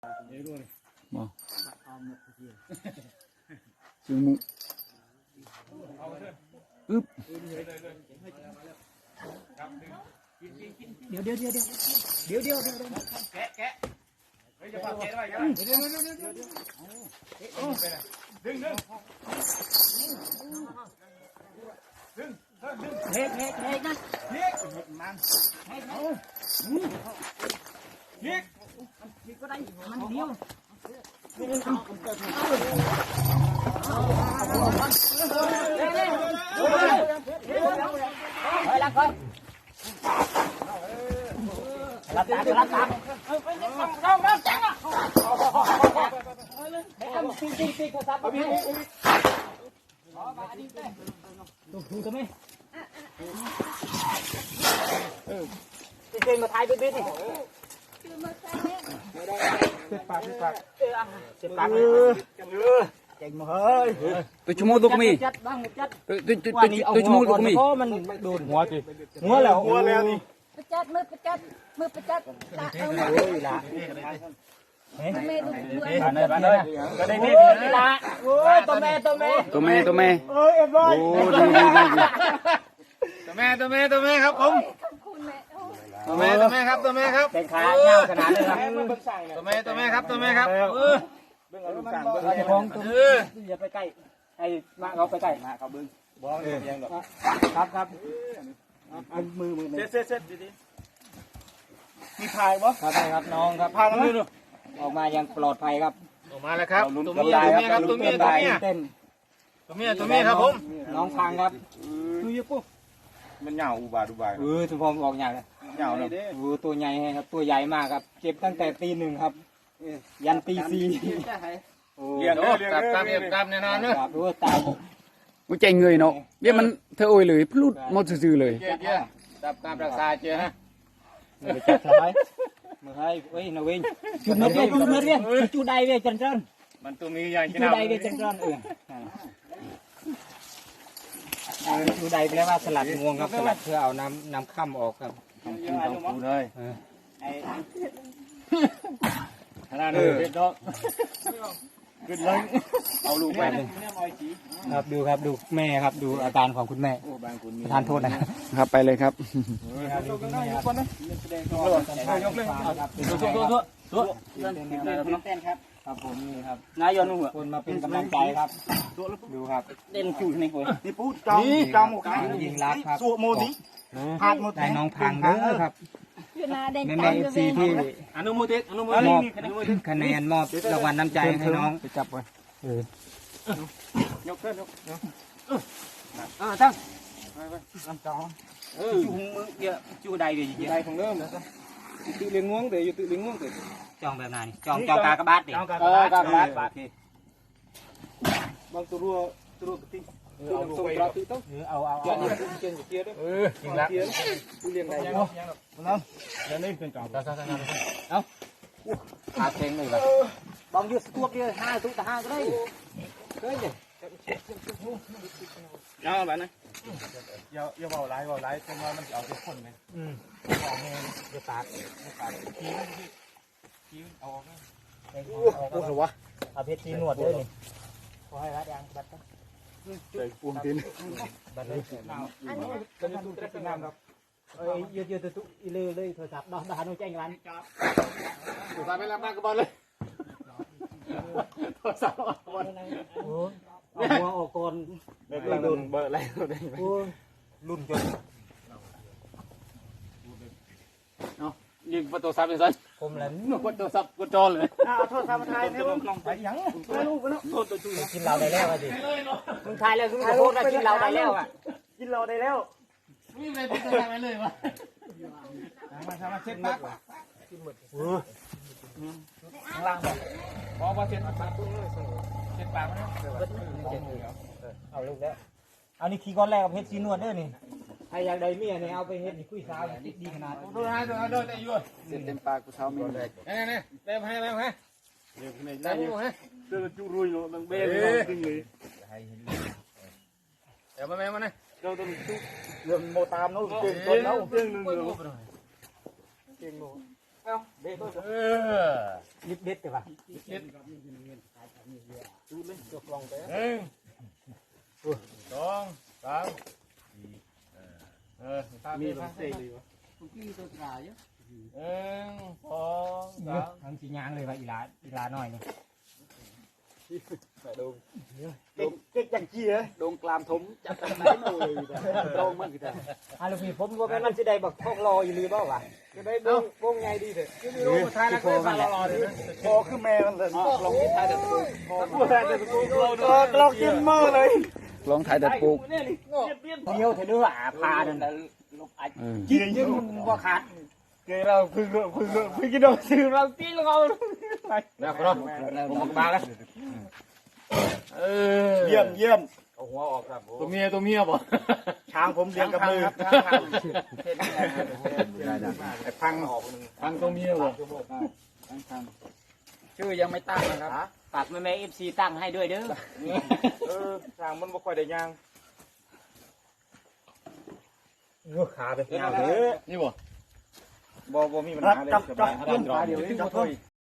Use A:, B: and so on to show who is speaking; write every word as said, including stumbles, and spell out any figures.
A: บ่จึงมุอึ๊บเดี๋ยวเดี๋ยวเดี๋ยวเดี๋ยวเดี๋ยวเดี๋ยวเดี๋ยวแกะแกะเฮ้ยจะพาแกะได้ยังเดี๋ยวเดี๋ยวเดี๋ยวเดี๋ยวเดี๋ยวดึงดึงดึงเฮ้ยเฮ้ยเฮ้ยนะเฮ้ยมันเฮ้ยเอาเฮ้ยเฮ้ยก็ได้มันเดียวรับก่อนรับตารับตาเราเราจังอ่ะให้ทำจริงจริงจริงโทรศัพท์พี่ดูดูทำไมเออจริงมาถ่ายเบ็ดนี่เจ็บปากเจ็บปากเจ็บปากเออเก่งมาเฮ้ยตัวชั่วโมงตัวก็มีตัวตัวตัวตัวชั่วโมงตัวก็มีมันโดนหัวจีหัวแล้วหัวแล้วนี่ประจัดมือประจัดมือประจัดตาเอาเลยละเฮ้ยตัวแม่ดูดูบ้านเลยบ้านเลยก็ได้นี่ละโอ้ยตัวแม่ตัวแม่ตัวแม่ตัวแม่โอ้ยเอ็มร้อยโอ้ดีดีดีตัวแม่ตัวแม่ตัวแม่ครับผมตัวแม่ตัวแม่ครับตัวแม่ครับเป็นขาเงาขนาดเลยครับตัวแม่ตัวแม่ครับตัวแม่ครับเออเบื้องเอาลูกสั่งเบื้องเอาของตัวอย่าไปใกล้ไอ้มาเขาไปใกล้มาเขาเบื้องบ้องเลยยังหรอครับครับอันมือมือเซ็ตเซ็ตเซ็ตดีๆมีพายบ่ครับครับน้องครับพายน้องดูออกมายังปลอดภัยครับออกมาแล้วครับตัวเมียตัวเมียครับตัวเมียตัวเมียเต้นตัวเมียตัวเมียครับผมน้องพังครับดูยี่ปุ๊บมันเหงาอุบาอุบายเออทุกคนออกเหงาเลยเหงาเลยโอ้ตัวใหญ่ครับตัวใหญ่มากครับเก็บตั้งแต่ตีหนึ่งครับยันตีสี่เลี้ยงกลับกลับกลับแน่นอนเนอะรู้ตายมันใจเงยเนาะเดี๋ยวมันเธอโอยเลยพลุดหมดซื่อเลยเจ้าดับการรักษาเจ้าฮะมือจับสบายมือให้เว้ยนาวินจุดเมื่อจุดเมื่อเรียนจุดใดเวียจันทร์มันตัวมีใหญ่จุดใดเวียจันทร์เออจุดใดแปลว่าสลัดงวงครับสลัดเพื่อเอาน้ำน้ำค่ำออกครับทำกินต้องปูเลยขนาดนี้เด็ดดอกขึ้นเลยเอาลูกไปครับดูครับดูแม่ครับดูอาการของคุณแม่ทานโทษนะครับไปเลยครับยกเลยยกเลยตัวเต้นครับครับผมนี่ครับนายยนต์หัวคนมาเป็นกำลังใจครับดูครับเต้นจู่ในหัวนี่ปูจอมจอมยิงรักครับสู้โมดิพาดโมดิได้น้องพังเด้อครับแม่แม่เอฟซีที่อนุโมทนาอนุโมทนคะแนนมอบรางวัลน้ำใจให้น้องไปจับไว้ยกขึ้นยกอ่าตั้งน้ำจองเออจูมือเยอะจูใดเดี๋ยวใดของเริ่มtự liền nguông để tự liền nguông để trònแบบnày tròn tròn cả các bát đi tròn cả các bát bát thì bằng tu rùa tu rùa tinhเอาส่งเราตีต้องเอาเอาเอาเกียนเกียนด้วยเออจริงละตุเรียนไหนเนาะน้ำแล้วนี่เป็นจ่องตาตาตาเอาหาเชงเลยแบบบองยืดตัวเดียวห้าตัวแต่ห้าก็ได้เฮ้ยเอาแบบนั้นอย่าอย่าเบาไล่เบาไล่จนว่ามันจะเอาเป็นคนไหมอืมเอาเงี้ยอย่าปาดอย่าปาดขี้ขี้เอาออกโอ้โหวะเอาเพชรจีนวดด้วยนี่ขอให้รัดยางบัดต้องใส่ปูนตีนบัดเลยอันนี้ก็จะตุ้งเป็นน้ำครับเอ้ยยืดยืดตุ้งอีเล่เลยโทรศัพท์ดอกดาหนูแจ้งร้านโทรศัพท์ไปรับมากระบอลเลยโทรศัพท์บอลโอ้เอาหัวออกก่อนเบอร์รุ่นเบอร์อะไรรุ่นจนเนาะยิงประตูซับเลยสิผมเลยหนูกดโทรศัพท์กดจอเลยอ่าโทรศัพท์มาถ่ายเนี่ยลองไปยังไม่รู้ไม่รู้โทษตัวจุยกินเราได้แล้วอ่ะดิมึงถ่ายเลยมึงโทษว่ากินเราได้แล้วอ่ะกินเราได้แล้วไม่มีอะไรติดตัวไปเลยวะมาทำมาเช็ดปากกินหมดข้างล่างบอกพอพอเช็ดปากตุ้งเลยเช็ดปากนะเอาลูกแล้วเอานี่ขี้ก้อนแรกกับเพชรซีนวดเด้อนี่ไอ้อย่างใดเมียเนี่ยเอาไปเฮ็ดนี่คุยสาวดีขนาดดูนะดูนะดูได้อยู่เต็มปากกูเช้ามีเลยนี่นี่เต็มให้เต็มให้เดี๋ยวในได้อยู่ฮะเจอจุรุยเนาะดังเบ้เลยจริงเลยเดี๋ยวมาแม่มาเนี่ยเราต้องจุเรื่องโมตามเนาะเก่งคนเนาะเก่งหนึ่งเก่งโมเอาเด็ดเออลิบเด็ดใช่ป่ะเด็ดดูเลยจบลงไปหนึ่งสองสามเออมีลงเตะเลยวะทุกที่ตัวตายเยอะหนึ่งสองสามทำสียางเลยว่ะอีลาอีลาหน่อยนี่ไปดูเก๊กเก๊กจังจี้เหรอโดงกลามถมจับกันไหนเลยโดงมันกี่แต่ฮาลูกพี่ผมก็แม่มันจะได้แบบทอกรออยู่รีบ่าวะจะได้วงวงไงดีเถอะไม่รู้ท้ายแล้วก็ฟังรอเลยพอคือแม่มันเลยลองที่ท้ายเด็ดปูพอท้ายเด็ดปูลองจิ้มมือเลยลองท้ายเด็ดปูเดียวเถอะด้วยอ่ะพาดันลบอัดจิ้มจิ้มว่าขาดเกเราพึ่งพึ่งพึ่งกินดอกซื้อเราตีลงเอาไปนะครับผมมาแล้วเยี่ยมเยี่ยมเอาหัวออกครับตัวเมียตัวเมียบ่ช้างผมเลี้ยงกับมือไอ้พังออกพังตัวเมียบ่ชื่อยังไม่ตั้งนะครับฝากแม่แม่เอฟซีตั้งให้ด้วยเด้อเออช้างมันบ่ค่อยได้ย่างเงือกขาไปย่างเด้อนี่บ่บ่บ่มีปัญหาเลยสบายเดี๋ยวนี้จะ